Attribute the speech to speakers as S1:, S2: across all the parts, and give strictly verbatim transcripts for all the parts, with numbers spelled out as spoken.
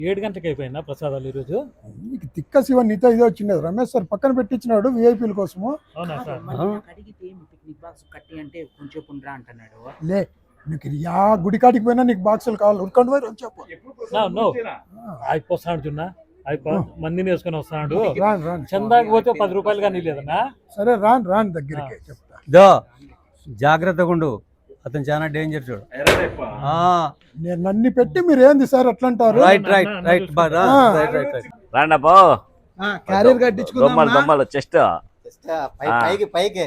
S1: ఏడు గంటలకు అయిపోయిందా ప్రసాదాలు ఈరోజు?
S2: నీకు తిక్క శివ నీతో ఇదే వచ్చింది. రమేష్ సార్ పక్కన పెట్టించినాడు విఐపీల కోసము.
S1: అవునా సార్?
S2: లే నీకు యా గుడికాటికి పోయినా నీకు బాక్సులు కావాలి. ఉరుకండి పోయి చెప్పు.
S1: అయిపోతాడు చున్నా అయిపో మందిని వేసుకొని వస్తున్నాడు.
S2: రాను రాను
S1: చందాకి పోతే పది రూపాయలు కానీ లేదన్నా.
S2: సరే రాను రాను దగ్గరికి చెప్తా.
S3: దో జాగ్రత్తగా ఉండు, అతను చాలా డేంజర్ చూడు.
S2: నేను నన్ను పెట్టి మీరు ఏంది సార్ అట్లా అంటారు?
S3: రైట్ రైట్ రైట్
S4: రాండపో
S2: క్యారియర్ కట్టించుకుందాం.
S4: చెస్ట్
S3: పైకి పైకి.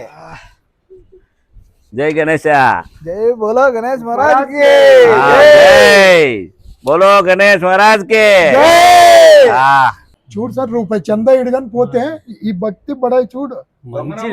S4: జై గణేష.
S2: జై బోలో గణేష్ మహారాజ్ కి
S4: జై బోలో గణేష్ మహారాజ్ కి.
S2: చూడు సార్ రూపాయి చందా ఇడుగాని పోతే ఈ భక్తి బడాయి చూడు.
S3: మంచి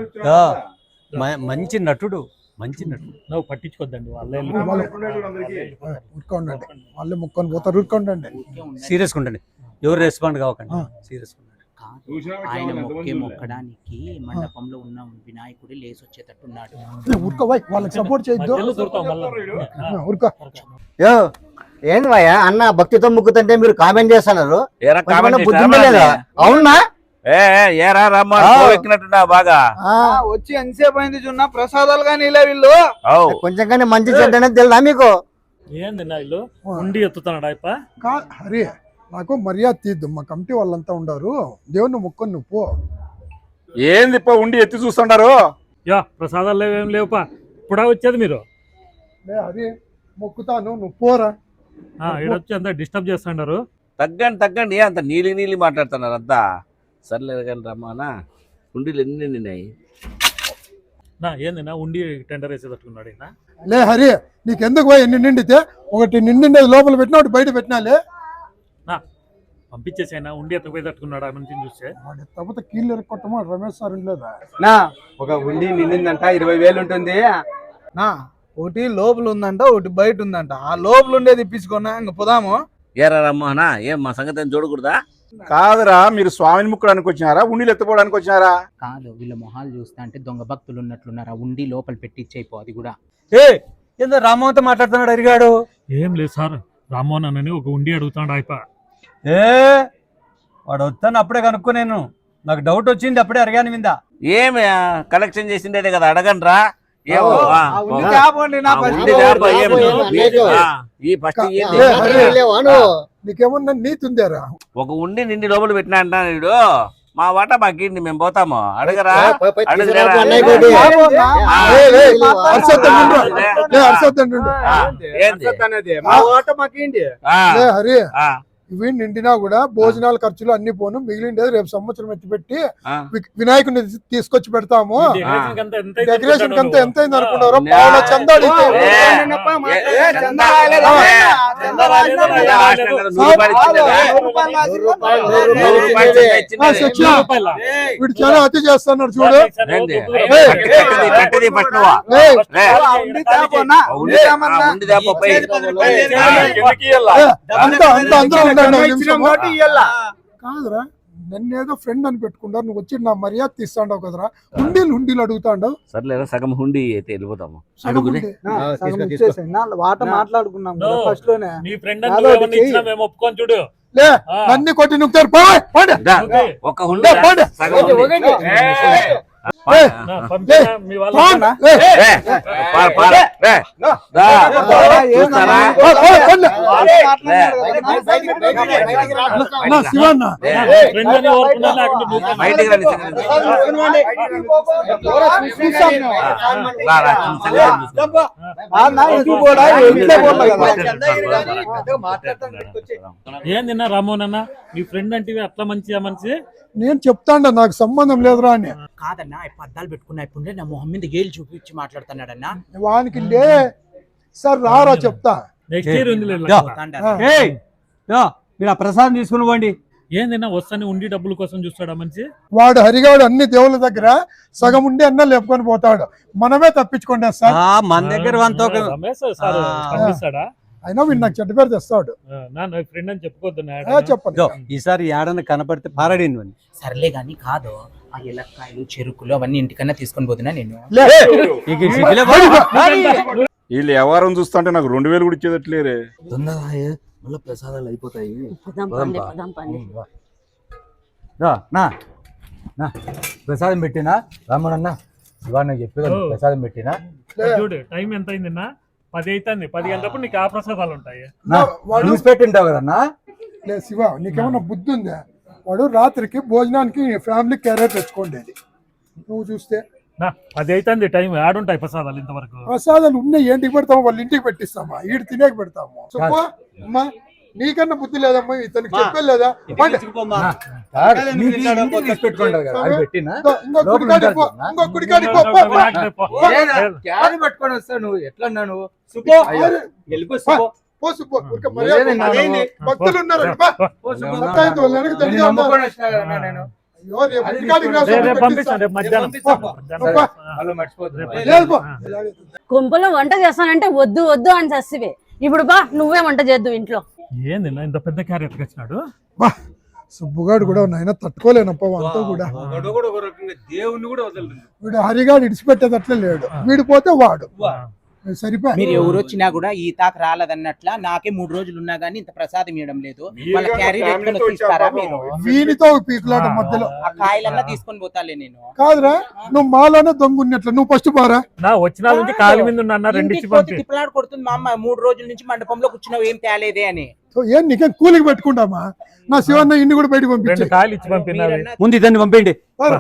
S3: మంచి నటుడు, మంచి నటుడు.
S1: నువ్వు పట్టించుకోద్దండి వాళ్ళే
S2: ఉరుకోండి, వాళ్ళే ముక్కొని పోతారు. ఉరుకోండి,
S3: సీరియస్ ఉండండి, ఎవరు రెస్పాండ్ కావకండి. సీరియస్
S5: ఆయన మొక్కే మొక్కడానికి మండపంలో ఉన్న వినాయకుడు లేసి వచ్చేటట్టున్నాడు.
S2: ఉరుకో బాయ్, వాళ్ళకి సపోర్ట్ చేయొద్దు. ఉరుకో.
S6: ఏంది భయ్యా అన్న భక్తితో ముక్కుతుంటే మీరు కామెంట్ చేస్తున్నారు? అవునా?
S4: ఏరా రమ్మా ఎక్కినట్టున్నా బాగా
S7: వచ్చి ఎంతసేపు అయింది చున్నా ప్రసాదాలు కానీ ఇలా వీళ్ళు
S6: కొంచెం కానీ మంచి చెడ్డ తెలుదా మీకు?
S1: ఏంది వీళ్ళు ఉండి ఎత్తుతున్నాడు అయిప.
S2: హరి నాకు మర్యాద తీద్దు, మా కమిటీ వాళ్ళంతా ఉండారు. దేవుని ముక్కొని నువ్వు పో.
S8: ఏంది పో ఉండి ఎత్తి చూస్తుంటారు?
S1: యా ప్రసాదాలు లేవేం లేవుపా, ఇప్పుడా వచ్చేది మీరు?
S2: హరి మొక్కుతాను, నువ్వు పోరా.
S1: ఈడొచ్చి అంతా డిస్టర్బ్ చేస్తున్నారు.
S4: తగ్గండి తగ్గండి, అంత నీలి నీలి మాట్లాడుతున్నారు అంతా. సర్లేదు కానీ రమ్మానా, ఉండిలు ఎన్ని నిన్నాయి
S1: నా ఏంది నా ఉండి టెండర్ వేసేటట్టుకున్నాడు.
S2: లే హరి నీకెందుకు పోయి ఎన్ని నిండితే ఒకటి నిండిండేది లోపల పెట్టినా ఒకటి బయట పెట్టినాలే.
S1: నా పంపించేసైనా ఉండి ఎత్తపోయేటట్టుకున్నాడు ఆ మనిషిని చూస్తే.
S2: తప్పతే కీళ్ళు ఎరగొట్టమా రమేష్ సార్ ఉండలేదా?
S7: నా ఒక ఉండి నిండిందంట ఇరవై వేలు ఉంటుంది నా. ఒకటి లోపల ఉందంట, ఒకటి బయట ఉందంట. ఆ లోపల ఉండేది ఇప్పించుకున్నా ఇంక పోదాము.
S4: ఏరా రమ్మనా, ఏం మా సంగతి చూడకూడదా?
S8: కాదురా, మీరు స్వామిని ముక్కడానికి వచ్చినారా ఉండిలు ఎత్తుకోవడానికి వచ్చినారా?
S5: కాదు, వీళ్ళ మొహాలు చూస్తా అంటే దొంగ భక్తులు ఉన్నట్లున్నారు. ఆ ఉండి లోపల పెట్టిచ్చేయిపో. అది కూడా
S3: ఏ ఏందో రామ్మోహన్తో మాట్లాడుతున్నాడు అడిగాడు.
S1: ఏం లేదు సార్, రామ్మోహన్ అని ఒక ఉండి అడుగుతాడు అయిప.
S3: ఏ వాడు వస్తాను అప్పుడే కనుక్కో, నేను నాకు డౌట్ వచ్చింది అప్పుడే అడిగాను మీద.
S4: ఏమి కలెక్షన్ చేసిండే కదా అడగండి రా.
S2: నీకేమన్నా నీతి ఉందారా?
S4: ఒక ఉండి నిండి లోపల పెట్టినా అంటాను వీడు. మా వాట మాకేంటి, మేము పోతాము. అడగరా
S2: హరి ఇవి నిండినా కూడా భోజనాల ఖర్చులు అన్ని పోను, మిగిలిండేది రేపు సంవత్సరం ఎత్తి పెట్టి వినాయకుడిని తీసుకొచ్చి పెడతాము. డెకరేషన్ కంతా ఎంత అయింది అనుకున్నారు? పావుల చందా వీడు చాలా అతి చేస్తున్నారు చూడు. కాదురా, నన్ను ఏదో ఫ్రెండ్ అని పెట్టుకుంటారు, నువ్వు వచ్చి నా మర్యాద తీస్తాండవు కదరా. హుండీలు హుండీలు అడుగుతాండవు.
S4: సర్లేదా సగం హుండీ అయితే వెళ్ళిపోతాము.
S7: వాట మాట్లాడుకున్నాం ఫస్ట్ లోనే.
S1: నీ ఫ్రెండ్ మేము ఒప్పుకొని చూడు.
S2: లే అన్ని కొట్టి నువ్వుతారు.
S4: ఒక హుండీ సగం
S2: శివన్న
S1: ఏం తిన్నా రామ్మోహన్ అన్న, మీ ఫ్రెండ్ అంటే అట్లా మంచిగా మంచి.
S2: నేను చెప్తాండ నాకు సంబంధం లేదురా అని.
S5: కాదన్నా అద్దాలు పెట్టుకున్నా ఇప్పుడు నా మొహం మీద గేలు చూపించి మాట్లాడుతున్నాడన్నా.
S2: వానికి లే సార్ రారా చెప్తా.
S1: నెక్స్ట్ ఇయర్ ఉంది
S3: మీరు ఆ ప్రసాదం తీసుకుని పోండి.
S1: ఏందన్నా వస్తానే ఉండి డబ్బుల కోసం చూస్తాడా మంచి
S2: వాడు. హరిగాడు అన్ని దేవుళ్ళ దగ్గర సగం ఉండి అన్న లేపుకొని పోతాడు, మనమే తప్పించుకోండి సార్.
S3: మన దగ్గర
S1: పంపిస్తాడా?
S2: అయినా వీడు నాకు చెడ్డ పేరు తెస్తాడు.
S1: ఫ్రెండ్ అని చెప్పుకోవద్దు.
S3: చెప్పండి, ఈసారి ఏడన్నా కనపడితే పారాడిను.
S5: సర్లే గాని కాదు, ఆ ఎలక్కాయలు చెరుకులు అవన్నీ ఇంటికన్నా తీసుకొని పోతున్నా నేను.
S8: వీళ్ళు వ్యవహారం చూస్తుంటే నాకు రెండు వేలు కూడా ఇచ్చేదట్లేరే.
S4: మళ్ళీ ప్రసాదాలు అయిపోతాయి.
S9: పదాం పండి పదాం పండి
S3: రా, నా నా ప్రసాదం పెట్టినా రామనన్న ఇవాళ నాకు చెప్పి
S1: ఓ.
S3: ప్రసాదం పెట్టినా
S1: చూడు టైం ఎంత అయింది? పది అవుతుంది. పది గంటలప్పుడు నీకు ఆ ప్రసాదాలు ఉంటాయి.
S3: నా
S2: వాడు
S3: చూసి పెట్టింటావు కదన్నా.
S2: లే శివ, నీకేమన్నా బుద్ధి ఉందా? వాడు రాత్రికి భోజనానికి ఫ్యామిలీ క్యారియర్ తెచ్చుకోండి. నువ్వు చూస్తే
S1: నా పది అవుతుంది టైం. ఆడుంటాయి ప్రసాదాలు ఇంతవరకు.
S2: ప్రసాదాలు ఉన్నాయి, ఏంటికి పెడతాము? వాళ్ళ ఇంటికి పెట్టిస్తామా? ఈడు తినేకి పెడతాము. సుబ్బు, అమ్మా నీకన్నా బుద్ధి లేదమ్మా, ఇతనికి చెప్పే లేదా? పండి.
S3: మీకు ఇంటికి తీసి పెట్టుకుంటావు కదా, అది పెట్టినా
S2: ఇంకో- ఇంకో
S3: లోపల
S2: గుడికాడికి పో,
S3: ఉంటారు
S2: ఇంకో గుడికాడికి పో, పో, పో.
S3: క్యారీ పట్టుకొని వస్తావు నువ్వు. ఎట్లా అన్నావు నువ్వు?
S2: అరే,
S3: వెళ్ళిపో సుబ్బు.
S2: పో సుబ్బు, ఊరికే మర్యాద
S3: లేదన్నా
S2: అదేంటి?
S3: నువ్వు.
S2: భక్తులు ఉన్నారు బా.
S3: పో సుబ్బు.
S2: సత్తాయించు, వాళ్ళ వెనక
S3: నేను
S2: దండిగా ఉన్నారు.
S3: నమ్ముకొని వచ్చినా కదన్నా నేను.
S2: అయ్యో, రేపు గుడికాడికి రా,
S1: రేపు
S2: సుబ్బు,
S1: రేపు పంపిస్తాను.
S2: పెట్టిస్తా.
S1: రేపు మధ్యాహ్నం
S3: పంపిస్తా.
S1: మధ్యాహ్నం.
S2: పో.
S3: వాళ్ళు మర్చిపోతున్నారు.
S2: లేదు పో.
S9: గుంపులో వంట చేస్తానంటే వద్దు వద్దు అని చస్తివే. ఇప్పుడు బా నువ్వే వంట చేద్దు ఇంట్లో.
S1: ఏంది నా ఇంత పెద్ద క్యారీ ఎత్తుకొచ్చినాడు?
S2: బా, సుబ్బుగాడు కూడా నాయన తట్టుకోలేనప్ప అంతా కూడా.
S3: ఒకడు కూడా ఒక రకంగా దేవుణ్ణి కూడా వదలరు.
S2: వీడు హరిగాడు ఇడిచిపెట్టేదట్లే లేడు. వీడు పోతే వాడు సరిపోయి.
S5: మీరు ఎవరు వచ్చినా కూడా ఈ తాక రాలేదన్నట్ల నాకే మూడు రోజులు ఉన్నా గానీ ఇంత ప్రసాదం ఇవ్వడం లేదు. వాళ్ళ క్యారీ ఎత్తుకొని తీస్తారా మీరు?
S2: వీనితో పీకులాట మధ్యలో
S5: ఆ కాయలన్నా తీసుకొని పోతాలే నేను.
S2: కాదురా, నువ్వు మాలోనే దొంగ ఉన్నట్లు. నువ్వు ఫస్ట్ పోరా.
S1: నా వచ్చిన నుంచి కాలి మీద ఉన్నా రెండు
S5: ఇంటికి
S1: ఇచ్చి
S5: పోతే
S1: పంపి.
S5: తిప్పలాడు కొడుతుంది మా అమ్మ. మూడు రోజుల నుంచి మండపంలో కూర్చున్నావు ఏం తేలేదే అని.
S2: సో ఏం నీకేం కూలికి పెట్టుకుంటామా? నా శివన్న ఇన్ని కూడా బయటకు
S1: రెండు
S2: పంపించి
S1: కాయలు ఇచ్చి పంపినావి.
S5: మీరన్నా
S3: ముందు ఇద్దరిని పంపేయండి.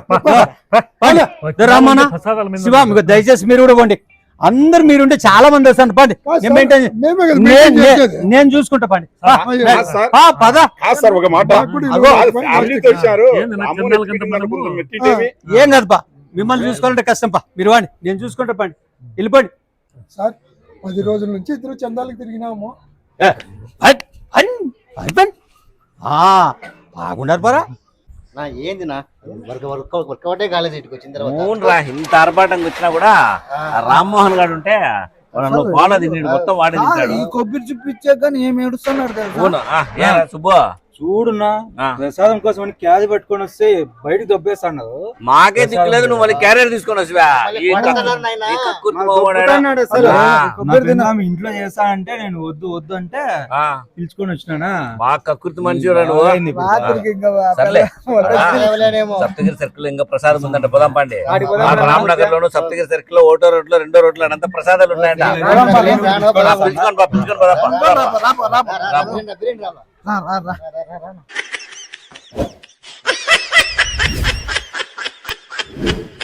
S1: వచ్చిన
S3: రామన్న
S1: నుంచి ప్రసాదాల మీద
S3: శివ, మీకు దయచేసి మీరు కూడా పోండి. అందరు మీరుంటే చాలా మంది వస్తాను. పండి, నేను maintain చే-
S2: మేమే కదా
S3: నే-
S2: maintain
S3: నే-
S2: చేసేది.
S3: నేను చూసుకుంటా. పండి ఆ,
S2: అయ్యో.
S3: నే-
S8: సార్.
S3: ఆ, పద.
S8: కాదు సార్ ఒక మాట.
S2: నాకు కూడా
S8: అగో,
S2: ఇవ్వాలి.
S8: వాళ్ళు ఫ్యామిలీతో వచ్చారు.
S1: ఏంది నా
S8: అమ్మని
S1: చిన్నాళ్ళ కంటే
S8: ఎత్తుకుని
S1: మనము-
S8: కొంచెం మెట్టింటేమి.
S3: ఏం కాదు పా, మిమ్మల్ని చూసుకోవాలంటే కష్టం పా. మీరు వాడి, నేను చూసుకుంటా. పండి, వెళ్ళిపోండి.
S2: సార్, పది రోజుల నుంచి ఇద్దరు చందాలకు తిరిగినాము.
S3: ఏ, హట్, హన్, హస్బెండ్. ఆ, బాగున్నారు పరా.
S6: నా ఏంది నా వర్క్ వర్క్ వర్కౌటే కాలేదు ఇటుకు వచ్చిన తర్వాత.
S4: అవునరా, ఇంత ఆర్భాటంగా వచ్చినా కూడా ఆ రామ్మోహన్ గారు ఉంటే వాళ్ళు పాల తిన్నాడు, మొత్తం వాడే తింటాడు.
S7: ఈ కొబ్బరి చూపించాక కానీ ఏం ఏడుస్తున్నాడు తెలుసా?
S4: అవును. ఆ, ఏరా సుబ్బు,
S3: చూడున్నా,
S4: ఆ.
S3: ప్రసాదం కోసం అని క్యాది పట్టుకొని వస్తే బయటకు దొబ్బేస్తాడు.
S4: మాకే దిక్కులేదు, నువ్వు మళ్ళీ క్యారియర్ తీసుకొని వస్తువా?
S6: మళ్ళీ
S4: ఈ
S6: కొడతన్నారు నాయనా.
S4: ఈ కక్కుర్తి మొగోడా?
S3: అసలు
S4: ఆ.
S3: కొబ్బరి తిన్నా ఇంట్లో చేస్తా అంటే నేను వద్దు వద్దు అంటే
S4: ఆ,
S3: పిలుచుకొని వచ్చినానా.
S4: బాగా కక్కుర్తి మనిషి నువ్వు.
S7: రాత్రికి ఇంకా
S4: సర్లే.
S6: ఆ, లేవలేనేమో.
S4: సప్తగిరి సర్కిల్ ఇంకా ప్రసాదం ఉందంట, పోదాం పండి.
S3: ఆడికి పోదాం.
S4: ఆ రామనగర్ లోను సప్తగిరి సర్కిల్ లో ఒకటో రోడ్ లో రెండో రోడ్ లో అంతా ప్రసాదాలు ఉన్నాయంట.
S6: రాను, రాను, రాను,
S4: ఆ,
S6: రాను.
S4: పిలుచుకొని బా, పిలుచుకొని పోదాం పా.
S6: రా, రా, రా, బిరిండి, బిరిండి రా.
S7: రా, రా, రా.
S6: రా, రా, రా, రా.